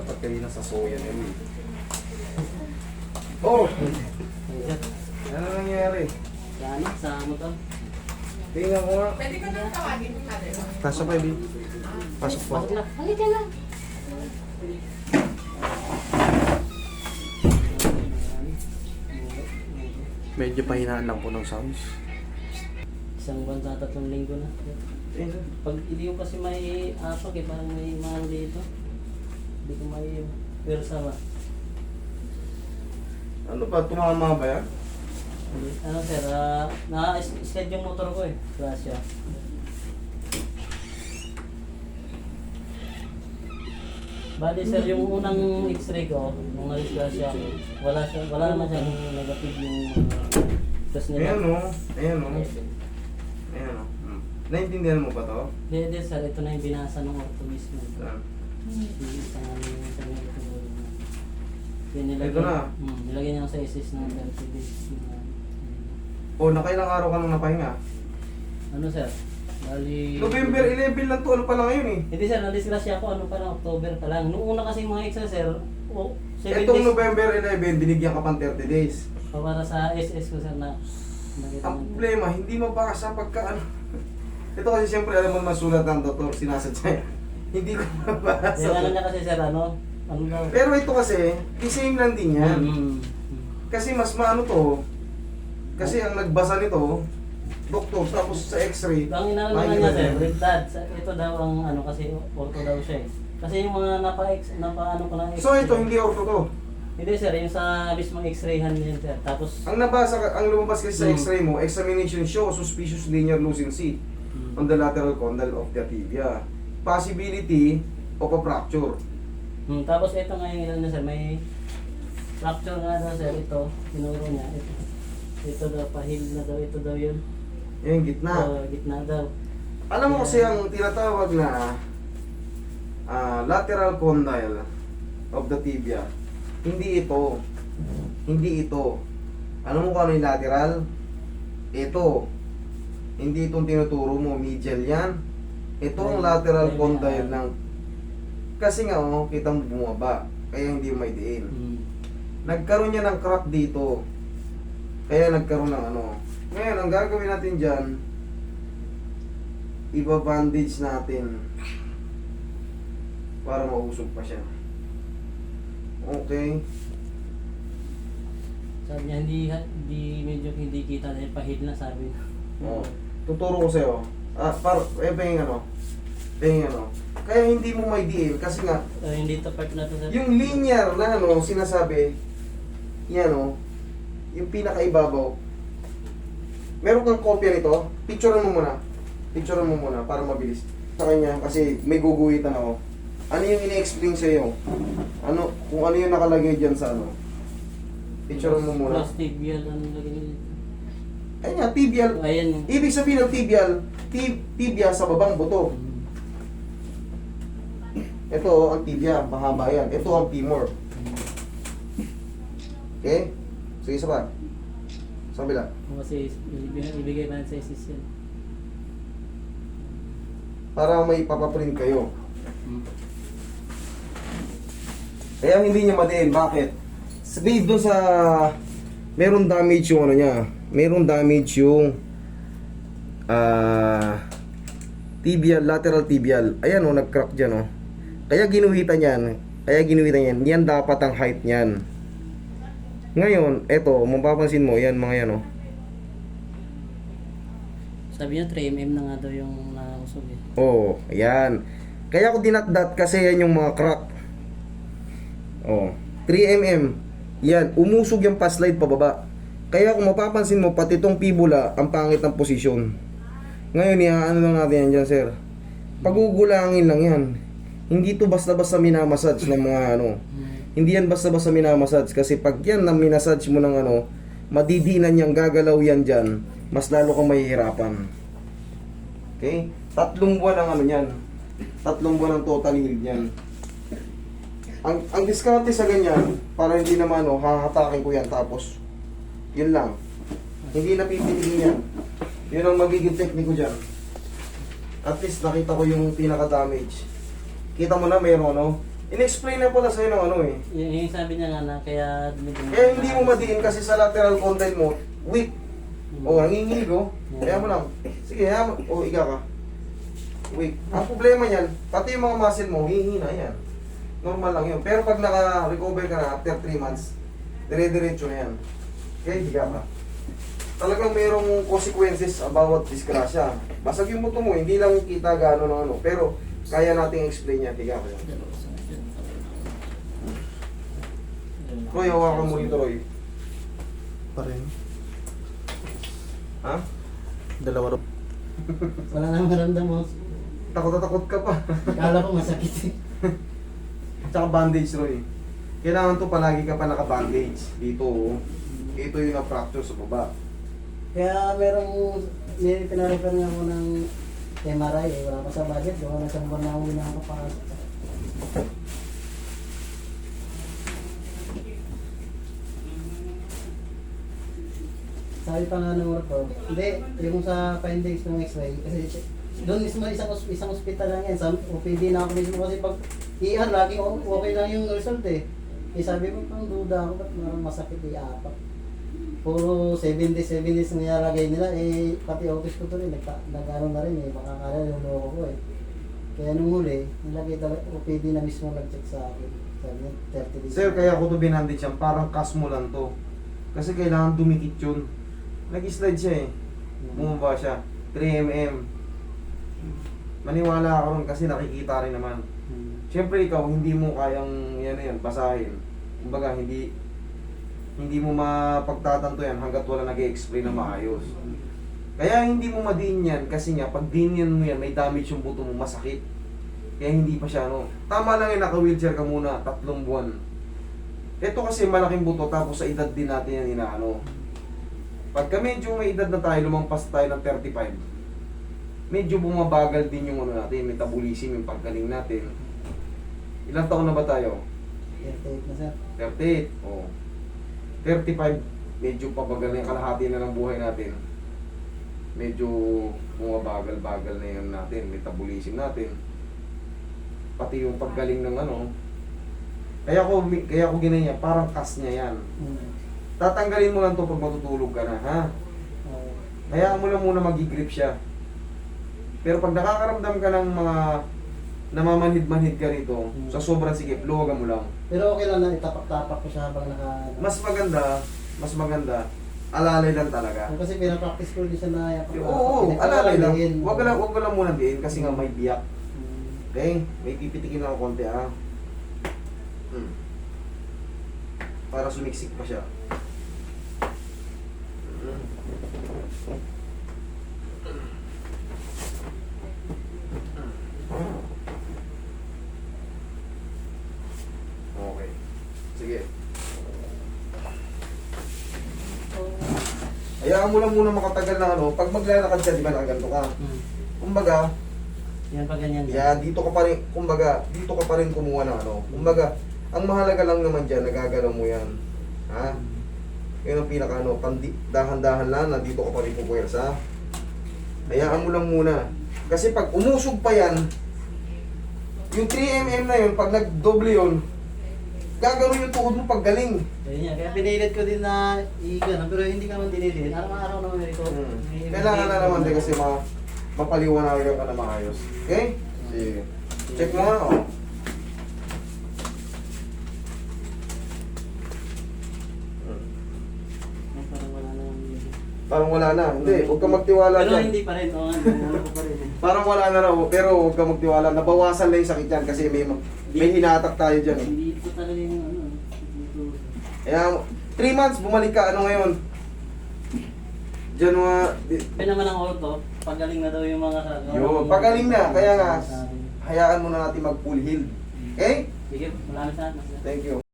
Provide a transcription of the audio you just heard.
Dapat kayo nasa soya na yun. Oh! Ano nangyari? Sana, sa motor. Tingnan ko nga. Pwede ko nang tawagin yung mother mo. Pasok pa, Ebi. Pasok po. Pasok na. Halika na. Medyo pahinaan lang po ng sounds. Isang buwan sa 3 linggo na. Pag hindi ko kasi may apak eh, parang may mahal dito. Hindi ko may pwersa ba. Ano ba? Tumama ba yan? Ano sir, na-sked yung motor ko eh. Grasya. Bali sir, yung unang x-ray ko, nung na-disgrasya ako, wala naman siyang negative yung test nila. Ayan o. Ayan o. Ayan o. Naintindihan mo ba to? Hindi sir, ito na yung binasa ng ortho mismo. Saan? Yung isang ano yung isang Ito na. nilagay niya sa ISIS ng 30 days. O, nakailang araw ka nang napahinga? Ano sir? Bali... November 11 lang to. Ano pa lang ngayon eh? Hindi sir, na-disgrasya ako ano pa lang, October pa lang. Noong una kasi mga extra sir, 7 Itong days. November 11, binigyan ka pang 30 days. Para sa SS ko sir na nakita Ang mo. problema, hindi mabasa pagka ano. Ito kasi siyempre alam mo masulat ng doktor, sinasadya. Hindi ko mabasa. Yung ano niya kasi sir, ano daw? Pero ito kasi, the same lang din yan. Kasi mas maano to. Kasi ang nagbasa nito, doktor, tapos sa x-ray. Ang inaano naman niya sir, rigdad. Ito daw ang ano kasi ortho daw siya eh. Kasi yung mga napa-ano ko ng So ito, hindi ortho to. Hindi sir, yung sa mismong x-rayhan niya sir. Tapos Ang nabasa, ang lumabas kasi sa x-ray mo, examination shows suspicious linear lucency on the lateral condyle of the tibia. Possibility of a fracture. tapos ito nga yung ilan na sir, may fracture nga daw sir, ito, tinuro niya, ito daw, pahil na daw, ito daw yun. Yung gitna. Gitna daw. Alam mo kasi ang tinatawag na lateral condyle of the tibia, hindi ito. Hindi ito. Alam mo kung ano yung lateral? Ito. Hindi itong tinuturo mo, medial yan. Ito ang lateral condyle ng... Kasi nga, kita mo bumaba. Kaya hindi may diin. Nagkaroon niya ng crack dito. Kaya nagkaroon ng ano. Ngayon, ang gagawin natin dyan, iba-bandage natin para mausog pa siya. Okay. Sabi niya, medyo hindi kita dahil pahil na sabi niya. Oh. Tuturo ko sa'yo. Pahing ano. Pahing ano. Kaya hindi mo may diin kasi nga, Hindi to part na to sir. yung linear na ano, sinasabi, yan o, yung pinakaibabaw. Meron kang kopya nito, picturean mo muna. Picturean mo muna para mabilis. Sa kanya, kasi may guguhitan ako. Ano yung ini-explain sa iyo? Ano, kung ano yung nakalagay dyan sa ano? Picturean mo muna. Plus tibial, ano lagi niya. Ayun nga, tibial. Ayan. Ibig sabihin ng tibial, tibia sa babang buto. Ito ang tibia, mahaba yan. Ito ang femur. Okay? Sige, isa pa. Sa kabila. Kasi ibigay pa sa ISIS yan. Para may papaprint kayo. Kaya hindi niya madiin. Bakit? Sabihin doon sa... Meron damage yung ano niya. Meron damage yung... tibial, lateral tibial. Ayan o, nag-crack dyan o. Kaya ginuhitan yan. Yan dapat ang height niyan. Ngayon, eto, mapapansin mo, yan mga yan o. Sabi niya 3mm na nga daw yung nausog eh. Oh, ayan. Kaya ko dinatdat kasi yan yung mga crack. Oh, 3mm. Yan, umusog yung pa-slide pababa. Kaya kung mapapansin mo, pati itong fibula, ang pangit ng posisyon. Ngayon, ano lang natin yan dyan, sir. Pagugulangin lang yan. Hindi to basta-basta minamassage ng mga ano. Hindi yan basta-basta minamassage. Kasi pag yan na minassage mo ng ano, madidinan yang gagalaw yan dyan, mas lalo kang mahihirapan. Okay? 3 buwan ang ano yan. 3 buwan ang total healed yan. Ang diskarte sa ganyan, para hindi naman hahatakin ko yan tapos yun lang. Hindi na pipinigin yan. Yun ang magiging technique ko dyan. At least nakita ko yung pinaka-damage. Kita mo na mayroon In-explain na pala sa'yo ng ano eh. Yung sabi niya nga na kaya Kaya hindi mo madiin kasi sa lateral condyle mo, weak. O, nanginginig o. Kaya mo lang. Sige, kaya mo. O, iga ka. Weak. Ang problema niyan, pati yung mga muscle mo, hihina yan. Normal lang yun. Pero pag naka-recover ka na after 3 months, dire-diretso na yan. Kaya higa ka. Talagang mayroong consequences bawat disgrasya. Basag yung buto mo, hindi lang kita gaano ng ano. Pero kaya nating explain yan. Higa ka yan. Roy, hawakan mo rito, Roy. Pa rin. Ha? Dalawa rin. Wala nang maramdam mo. Takot na takot ka pa. Kala ko masakit eh. Tsaka bandage, Roy. Kailangan to palagi ka pa naka-bandage. Dito, oh. Ito yung na-fracture sa baba. Kaya merong pinarefer nga ako ng MRI eh. Wala pa sa budget. Gawa na sa buwan na ako nakakapasok. Sabi pa nga ng orto, hindi, yung sa findings ng x-ray, kasi doon mismo isang ospital lang yan, sa OPD na ako mismo kasi pag ER, laging okay lang yung result eh. Eh sabi ko, pang duda ako, ba't parang masakit i-apak? Puro 7 days nilalagay nila, eh pati office ko to rin, nag-ano na rin eh, baka kala yung loko ko eh. Kaya nung huli, nilagay talaga, OPD na mismo nag-check sa akin. Sabi niya, 30 days. Sir, kaya ako to binandage yan. Parang cast mo lang to. Kasi kailangan dumikit yun. Nag-slide siya eh. Bumaba siya. 3mm. Maniwala ako ron kasi nakikita rin naman. Siyempre ikaw, hindi mo kayang yan, basahin. Kumbaga, hindi mo mapagtatanto yan hanggat wala nag-explain na maayos. Kaya hindi mo madiin yan kasi nga, pag dinian mo yan, may damage yung buto mo, masakit. Kaya hindi pa siya, no. Tama lang yung naka-wheelchair ka muna, 3 buwan. Ito kasi malaking buto, tapos sa edad din natin yan inaano. Pagka medyo may edad na tayo, lumampas tayo ng 35, medyo bumabagal din yung ano natin, metabolism, yung paggaling natin. Ilang taon na ba tayo? 38 na sir. 38. Oh. 35, medyo pabagal na yung kalahati na ng buhay natin. Medyo bumabagal-bagal na yun natin, metabolism natin. Pati yung paggaling ng ano. Kaya ko ginanya, parang kas niya yan. Tatanggalin mo lang to pag matutulog ka na, ha? Hayaan mo lang muna mag-grip siya. Pero pag nakakaramdam ka ng mga namamanhid-manhid ka rito, sa sobrang sikip, luwagan mo lang. Pero okay lang na itapak-tapak ko siya habang naka... Mas maganda, alalay lang talaga. Kasi pinapractice ko din siya na yapak. Oo, alalay lang. Huwag ka lang muna diin kasi nga may biyak. Okay? May pipitikin lang ako konti, ha? Para sumiksik pa siya. Okay. Sige. Hayaan mo lang muna makatagal na ano. Pag maglalakad ka, di ba nakaganto ka? Kumbaga, Yan pa ganyan. dito ka pa rin, kumbaga, dito ka pa rin kumuha ng ano. Kumbaga, ang mahalaga lang naman dyan, nagagalaw mo yan. Ha? Yun ang pinaka ano, dahan-dahan lang na dito ka pa rin pupuwersa. Hayaan mo lang muna. Kasi pag umusog pa yan, yung 3mm na yun, pag nagdoble yun, gagawin yung tuhod mo pag galing. Kaya pinilit ko din na i-gano, pero hindi ka naman dinilit. Araw-araw naman ito. Kailangan na naman din kasi mapaliwanagan ka na maayos. Okay? Sige. Check mo nga, oh. Parang wala na. Parang wala na. Hindi, huwag ka magtiwala Pero dyan. hindi pa rin. Oo, ano ko pa rin. Parang wala na raw, pero huwag ka magtiwala. Nabawasan lang yung sakit yan kasi may hinatak tayo dyan. Eh. Hindi ko talaga yung ano. Dito. Kaya 3 months, bumalik ka. Ano ngayon? January. Kaya naman ang orto, pagaling na daw yung mga kagawa. Yun, pagaling na. Kaya nga, hayaan mo na natin mag full heal. Okay? Sige, maraming salamat. Thank you.